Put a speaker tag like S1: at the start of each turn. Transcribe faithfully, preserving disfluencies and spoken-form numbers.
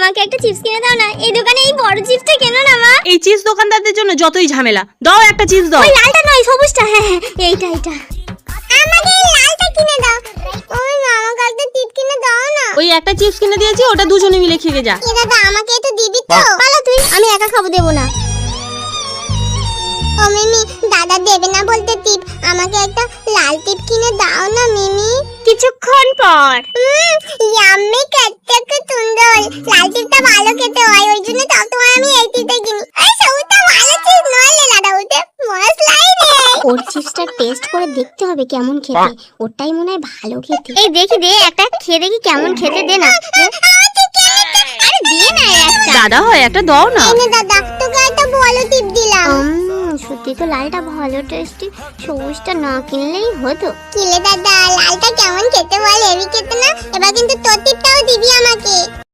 S1: আমাকে একটা চিপস কিনে দাও না। এই দোকানে এই বড় চিপসটা কেন না মা?
S2: এই চিপস দোকানদারদের জন্য যতই ঝামেলা। দাও একটা চিপস দাও।
S1: ওই লালটা নয়, সবুজটা। হ্যাঁ হ্যাঁ, এইটা এইটা। আমাকে এই লালটা কিনে দাও। ওই আমাকে একটা চিপস কিনে দাও না।
S2: ওই একটা চিপস কিনে দিয়েছি, ওটা দুজনে মিলে খেয়ে যা।
S1: এ দাদা, আমাকে একটু দিবি তো? পালা তুই, আমি একা খাবো, দেবো না। ও মিমি, দাদা দেবে না বলতে টিপ, আমাকে একটা লাল টিপ কিনে দাও না মিমি। কিছুক্ষণ পর। ইয়াম্মি, কত সুন্দর। লাল টিপটা ভালো খেতে হয়, ওই জন্য সবসময় আমি এই টিপটা কিনি। এই সবুজটা ভালো চিপস নয় লে দাদা, ওতে মশলাই নেই। ওর চিপসটা টেস্ট করে দেখতে হবে কেমন খেতে, ওটাই মনে হয় ভালো খেতে। এই দেখি দে, একটা খেয়ে দেখি কেমন খেতে, দে না। আরে দিয়ে না একটা।
S2: দাদা হয় একটা দাও না।
S1: এই নে দাদা, তোকে একটা ভালো টিপ দিলাম। সত্যি তো লালটা ভালো টেস্টি, সবুজটা না কিনলেই হতো। কিলে দাদা, লালটা কেমন খেতে বল, হেভি খেতে না? এবার কিন্তু তোর টিপটাও দিবি আমাকে।